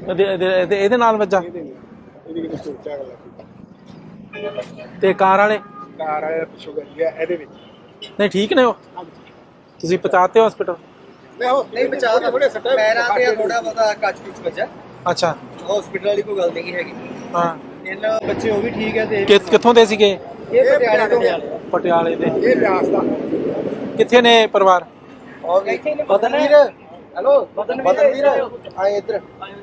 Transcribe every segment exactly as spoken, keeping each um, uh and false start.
ਇਹਦੇ ਇਹਦੇ ਇਹਦੇ ਨਾਲ ਵੱਜਾ ਇਹਦੀ ਕਿਤੇ ਸੋਚਿਆ ਗੱਲ ਤੇ ਕਾਰ ਵਾਲੇ ਕਾਰ ਆਇਆ ਪਿੱਛੋਂ ਗੱਡੀ ਆ ਇਹਦੇ ਵਿੱਚ ਨਹੀਂ ਠੀਕ ਨੇ ਉਹ ਤੁਸੀਂ ਪਹੁੰਚਾਤੇ ਹਸਪੀਟਲ ਮੈਂ ਉਹ ਨਹੀਂ ਬਚਾ ਕੇ ਥੋੜੇ ਸੱਟਾ ਪੈਰਾਂ ਤੇ ਥੋੜਾ ਬਹੁਤਾ ਕੱਚ ਕੁਚ ਵੱਜਾ ਅੱਛਾ ਹਸਪੀਟਲ ਵਾਲੀ ਕੋਈ ਗੱਲ ਨਹੀਂ ਹੈਗੀ। ਹਾਂ ਇਹਨਾਂ ਬੱਚੇ ਉਹ ਵੀ ਠੀਕ ਹੈ ਤੇ ਕਿ ਕਿੱਥੋਂ ਦੇ ਸੀਗੇ? ਇਹ ਪਟਿਆਲੇ ਤੋਂ ਪਟਿਆਲੇ ਦੇ। ਇਹ ਬਿਆਸ ਦਾ ਕਿੱਥੇ ਨੇ ਪਰਿਵਾਰ? ਔਰ ਬਦਨਵੀਰ ਹੈਲੋ ਬਦਨਵੀਰ ਆਏ ਇੱਧਰ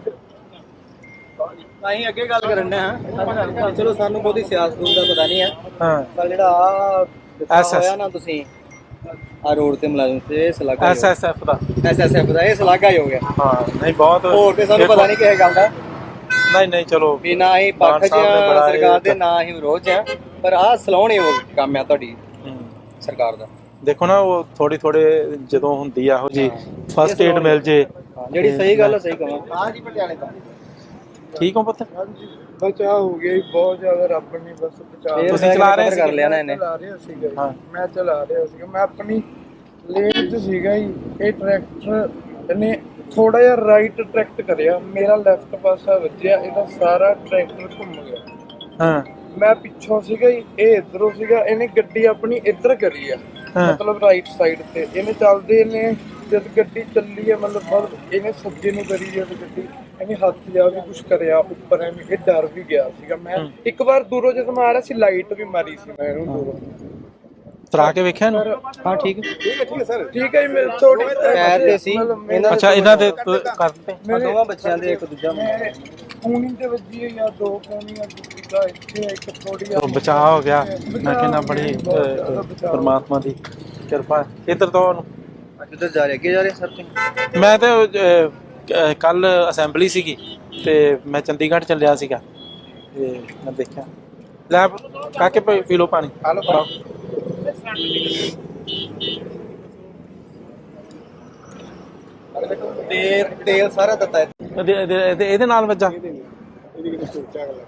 ਅਸੀਂ ਅੱਗੇ ਗੱਲ ਕਰਨ ਦੇ ਹਾਂ। ਚਲੋ ਸਾਨੂੰ ਬਹੁਤੀ ਸਿਆਸਤ ਦਾ ਪਤਾ ਨਹੀਂ ਹੈ ਹਾਂ ਪਰ ਜਿਹੜਾ ਐਸ ਐਸ ਹੋਇਆ ਨਾ ਤੁਸੀਂ ਆ ਰੋਡ ਤੇ ਮੁਲਾਜ਼ਮ ਤੇ ਇਹ ਸਲਾਗਾ ਐਸ ਐਸ ਐਫ ਦਾ ਐਸ ਐਸ ਐਫ ਦਾ ਇਹ ਸਲਾਗਾ ਹੀ ਹੋ ਗਿਆ। ਹਾਂ ਨਹੀਂ ਬਹੁਤ ਹੋਰ ਤੇ ਸਾਨੂੰ ਪਤਾ ਨਹੀਂ ਕਿਸੇ ਗੱਲ ਦਾ ਨਹੀਂ ਨਹੀਂ ਚਲੋ ਵੀ ਨਾ ਹੀ ਪੱਖ ਚ ਸਰਕਾਰ ਦੇ ਨਾ ਹੀ ਵਿਰੋਧ ਚ ਪਰ ਆਹ ਸਲਾਉਣੇ ਉਹ ਕੰਮ ਆ ਤੁਹਾਡੀ ਸਰਕਾਰ ਦਾ। ਦੇਖੋ ਨਾ ਉਹ ਥੋੜੀ ਥੋੜੇ ਜਦੋਂ ਹੁੰਦੀ ਆ ਇਹੋ ਜੀ ਫਸਟ ਏਡ ਮਿਲ ਜੇ ਜਿਹੜੀ ਸਹੀ ਗੱਲ ਸਹੀ ਕਹਾਂ। ਹਾਂ ਜੀ ਪਟਿਆਲੇ ਦਾ ਠੀਕ ਹੋ ਪੁੱਤ? ਬਚਾ ਹੋ ਗਿਆ ਜੀ ਬਹੁਤ ਜ਼ਿਆਦਾ ਰੱਬ ਨੇ ਬਸ ਬਚਾ ਤੁਸੀਂ ਚਲਾ ਰਹੇ ਸੀ? ਕਰ ਲਿਆ ਨਾ ਇਹਨੇ। ਚਲਾ ਰਿਹਾ ਸੀਗਾ ਜੀ। ਹਾਂ। ਮੈਂ ਚਲਾ ਰਿਹਾ ਸੀਗਾ ਮੈਂ ਆਪਣੀ ਲੇਨ 'ਚ ਸੀਗਾ ਜੀ। ਇਹ ਟਰੈਕਟਰ ਨੇ ਥੋੜਾ ਜਿਹਾ ਰਾਈਟ ਟਰੈਕਟ ਕਰਿਆ ਮੇਰਾ ਲੈਫਟ ਪਾਸਾ ਵੱਜਿਆ ਇਹਦਾ ਸਾਰਾ ਟਰੈਕਟਰ ਘੁੰਮ ਗਿਆ। ਹਾਂ ਮੈਂ ਪਿੱਛੋਂ ਸੀਗਾ ਜੀ ਇਹ ਇਧਰੋਂ ਸੀਗਾ ਇਹਨੇ ਗੱਡੀ ਆਪਣੀ ਇੱਧਰ ਕਰੀ ਆ ਮਤਲਬ ਰਾਈਟ ਸਾਈਡ ਤੇ ਇਹਨੇ ਚੱਲਦੇ ਨੇ ਜਦ ਗੱਡੀ ਚੱਲੀ ਆ ਮਤਲਬ ਬਹੁਤ ਇਹਨੇ ਸੱਜੇ ਨੂੰ ਕਰੀ ਜਦ ਗੱਡੀ ਇਹਨੇ ਹੱਥ ਜਾ ਵੀ ਕੁਝ ਕਰਿਆ ਉੱਪਰ ਐਵੇਂ ਇਹ ਡਰ ਵੀ ਗਿਆ ਸੀਗਾ। ਮੈਂ ਇੱਕ ਵਾਰ ਦੂਰੋਂ ਜਦੋਂ ਮੈਂ ਆ ਰਿਹਾ ਸੀ ਲਾਈਟ ਵੀ ਮਾਰੀ ਸੀ ਮੈਂ ਇਹਨੂੰ ਦੂਰੋਂ ਤਰਾ ਕੇ ਵੇਖਿਆ ਨਾ? ਹਾਂ ਠੀਕ ਹੈ ਠੀਕ ਹੈ ਠੀਕ ਹੈ ਸਰ ਠੀਕ ਹੈ ਜੀ ਮੇਰੇ ਥੋੜੀ ਪੈਰ ਤੇ ਸੀ ਇਹਨਾਂ ਅੱਛਾ ਇਹਨਾਂ ਦੇ ਕਰ ਦਿੱਤੇ ਦੋਵਾਂ ਬੱਚਿਆਂ ਦੇ ਇੱਕ ਦੂਜਾ ਕੂਣੀ ਤੇ ਵੱਜੀ ਹੈ ਜਾਂ ਦੋ ਕੂਣੀਆਂ ਦੂਜਾ ਇੱਥੇ ਇੱਕ ਥੋੜੀ ਉਹ ਬਚਾਅ ਹੋ ਗਿਆ। ਮੈਂ ਕਹਿੰਦਾ ਬੜੀ ਪਰਮਾਤਮਾ ਦੀ ਕਿਰਪਾ। ਇੱਧਰ ਤੋਂ ਉਹਨੂੰ ਕਿੱਧਰ ਜਾ ਰਹੇ ਅੱਗੇ ਜਾ ਰਹੇ ਸਰ ਤੁਸੀਂ? ਮੈਂ ਤੇ ਕੱਲ ਅਸੈਂਬਲੀ ਸੀਗੀ ਤੇ ਮੈਂ ਚੰਡੀਗੜ੍ਹ ਚੱਲਿਆ ਸੀਗਾ ਤੇ ਮੈਂ ਦੇਖਿਆ ਲੈ ਕਾਕੇ ਪੀ ਲਓ ਪਾਣੀ। ਹਲੋ ਤੇਲ ਤੇਲ ਸਾਰਾ ਦਿੱਤਾ ਹੈ। ਇਹਦੇ ਇਹਦੇ ਇਹਦੇ ਨਾਲ ਵੱਜਾ ਇਹਦੀ ਕਿਤੇ ਸੋਚਿਆ ਗੱਲ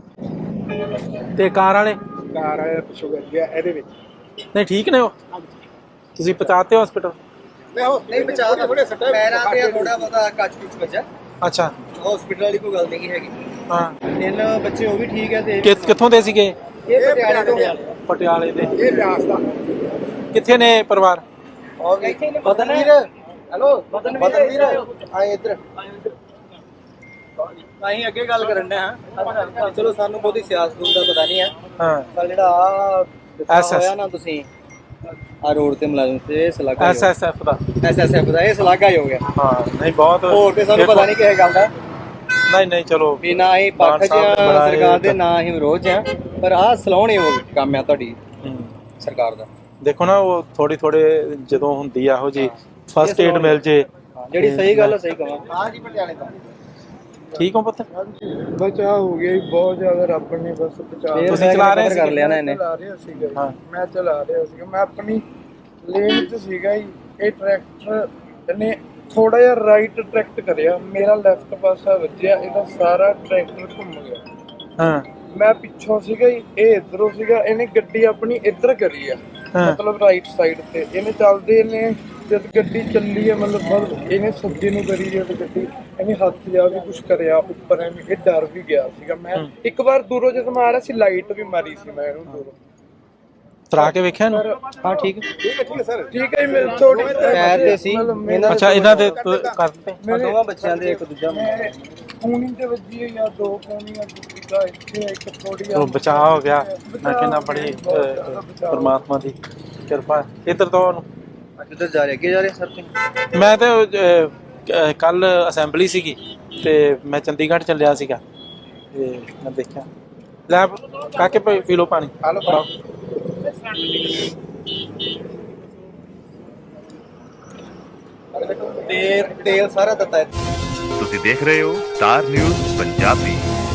ਤੇ ਕਾਰ ਵਾਲੇ ਕਾਰ ਆਇਆ ਪਿੱਛੋਂ ਗੱਡੀ ਆ ਇਹਦੇ ਵਿੱਚ ਨਹੀਂ ਠੀਕ ਨੇ ਉਹ ਤੁਸੀਂ ਪਹੁੰਚਾਤੇ ਹਸਪੀਟਲ? ਮੈਂ ਉਹ ਨਹੀਂ ਬਚਾ ਕੇ ਥੋੜੇ ਸੱਟਾ ਪੈਰਾਂ ਤੇ ਥੋੜਾ ਬਹੁਤਾ ਕੱਚ ਕੁਚ ਵੱਜਾ ਅੱਛਾ ਹਸਪੀਟਲ ਵਾਲੀ ਕੋਈ ਗੱਲ ਨਹੀਂ ਹੈਗੀ। ਹਾਂ ਇਹਨਾਂ ਬੱਚੇ ਉਹ ਵੀ ਠੀਕ ਹੈ ਤੇ ਕਿ ਕਿੱਥੋਂ ਦੇ ਸੀਗੇ? ਇਹ ਪਟਿਆਲੇ ਤੋਂ ਪਟਿਆਲੇ ਦੇ। ਇਹ ਬਿਆਸ ਦਾ ਕਿੱਥੇ ਨੇ ਪਰਿਵਾਰ? ਔਰ ਬਦਨਵੀਰ ਹੈਲੋ ਬਦਨਵੀਰ ਆਏ ਇੱਧਰ ਅਸੀਂ ਅੱਗੇ ਗੱਲ ਕਰਨ ਦੇ ਹਾਂ। ਚਲੋ ਸਾਨੂੰ ਬਹੁਤੀ ਸਿਆਸਤ ਦਾ ਪਤਾ ਨਹੀਂ ਹੈ ਹਾਂ ਪਰ ਜਿਹੜਾ ਐਸ ਐਸ ਹੋਇਆ ਨਾ ਤੁਸੀਂ ਆ ਰੋਡ ਤੇ ਮੁਲਾਜ਼ਮ ਤੇ ਇਹ ਸਲਾਗਾ ਐਸ ਐਸ ਐਫ ਦਾ ਐਸ ਐਸ ਐਫ ਦਾ ਇਹ ਸਲਾਗਾ ਹੀ ਹੋ ਗਿਆ। ਹਾਂ ਨਹੀਂ ਬਹੁਤ ਹੋਰ ਤੇ ਸਾਨੂੰ ਪਤਾ ਨਹੀਂ ਕਿਸੇ ਗੱਲ ਦਾ ਨਹੀਂ ਨਹੀਂ ਚਲੋ ਵੀ ਨਾ ਹੀ ਪੱਖ ਚ ਸਰਕਾਰ ਦੇ ਨਾ ਹੀ ਵਿਰੋਧ ਚ ਪਰ ਆਹ ਸਲਾਉਣੇ ਉਹ ਕੰਮ ਆ ਤੁਹਾਡੀ ਸਰਕਾਰ ਦਾ। ਦੇਖੋ ਨਾ ਉਹ ਥੋੜੀ ਥੋੜੇ ਜਦੋਂ ਹੁੰਦੀ ਆ ਇਹੋ ਜੀ ਫਸਟ ਏਡ ਮਿਲ ਜੇ ਜਿਹੜੀ ਸਹੀ ਗੱਲ ਸਹੀ ਕਹਾਂ। ਹਾਂ ਜੀ ਪਟਿਆਲੇ ਦਾ। ਠੀਕ ਹੋ ਪੁੱਤ? ਬਚਾ ਹੋ ਗਿਆ ਜੀ ਬਹੁਤ ਜ਼ਿਆਦਾ ਰੱਬ ਨੇ ਬਸ ਬਚਾ ਤੁਸੀਂ ਚਲਾ ਰਹੇ ਸੀ? ਕਰ ਲਿਆ ਨਾ ਇਹਨੇ। ਚਲਾ ਰਿਹਾ ਸੀਗਾ ਜੀ। ਹਾਂ। ਮੈਂ ਚਲਾ ਰਿਹਾ ਸੀਗਾ ਮੈਂ ਆਪਣੀ ਲੇਨ 'ਚ ਸੀਗਾ ਜੀ। ਇਹ ਟਰੈਕਟਰ ਨੇ ਥੋੜਾ ਜਿਹਾ ਰਾਈਟ ਟਰੈਕਟ ਕਰਿਆ ਮੇਰਾ ਲੈਫਟ ਪਾਸਾ ਵੱਜਿਆ ਇਹਦਾ ਸਾਰਾ ਟਰੈਕਟਰ ਘੁੰਮ ਗਿਆ। ਹਾਂ ਮੈਂ ਪਿੱਛੋਂ ਸੀਗਾ ਜੀ ਇਹ ਇਧਰੋਂ ਸੀਗਾ ਇਹਨੇ ਗੱਡੀ ਆਪਣੀ ਇੱਧਰ ਕਰੀ ਆ ਮਤਲਬ ਰਾਈਟ ਸਾਈਡ ਤੇ ਇਹਨੇ ਚੱਲਦੇ ਨੇ ਜਦ ਗੱਡੀ ਚੱਲੀ ਆ ਮਤਲਬ ਬਹੁਤ ਇਹਨੇ ਸੱਜੇ ਨੂੰ ਕਰੀ ਜਦ ਗੱਡੀ ਇਹਨੇ ਹੱਥ ਜਾ ਵੀ ਕੁਝ ਕਰਿਆ ਉੱਪਰ ਐਵੇਂ ਇਹ ਡਰ ਵੀ ਗਿਆ ਸੀਗਾ। ਮੈਂ ਇੱਕ ਵਾਰ ਦੂਰੋਂ ਜਦੋਂ ਮੈਂ ਆ ਰਿਹਾ ਸੀ ਲਾਈਟ ਵੀ ਮਾਰੀ ਸੀ ਮੈਂ ਇਹਨੂੰ ਦੂਰੋਂ ਤਰਾ ਕੇ ਵੇਖਿਆ ਨਾ? ਹਾਂ ਠੀਕ ਹੈ ਠੀਕ ਹੈ ਠੀਕ ਹੈ ਸਰ ਠੀਕ ਹੈ ਜੀ ਮੇਰੇ ਥੋੜੀ ਪੈਰ ਤੇ ਸੀ ਇਹਨਾਂ ਅੱਛਾ ਇਹਨਾਂ ਦੇ ਕਰ ਦਿੱਤੇ ਦੋਵਾਂ ਬੱਚਿਆਂ ਦੇ ਇੱਕ ਦੂਜਾ ਕੂਣੀ ਤੇ ਵੱਜੀ ਹੈ ਜਾਂ ਦੋ ਕੂਣੀਆਂ ਦੂਜਾ ਇੱਥੇ ਇੱਕ ਥੋੜੀ ਉਹ ਬਚਾਅ ਹੋ ਗਿਆ। ਮੈਂ ਕਹਿੰਦਾ ਬੜੀ ਪਰਮਾਤਮਾ ਦੀ ਕਿਰਪਾ। ਇੱਧਰ ਤੋਂ ਉਹਨੂੰ ਕਿੱਧਰ ਜਾ ਰਹੇ ਅੱਗੇ ਜਾ ਰਹੇ ਸਰ ਤੁਸੀਂ? ਮੈਂ ਤੇ ਕੱਲ ਅਸੈਂਬਲੀ ਸੀਗੀ ਤੇ ਮੈਂ ਚੰਡੀਗੜ੍ਹ ਚੱਲਿਆ ਸੀਗਾ ਤੇ ਮੈਂ ਦੇਖਿਆ ਲੈ ਕਾਕੇ ਪੀ ਲਓ ਪਾਣੀ। ਹਲੋ ਤੇਲ ਤੇਲ ਸਾਰਾ ਦਿੱਤਾ ਹੈ। ਤੁਸੀਂ ਦੇਖ ਰਹੇ ਹੋ ਸਟਾਰ ਨਿਊਜ਼ ਪੰਜਾਬੀ।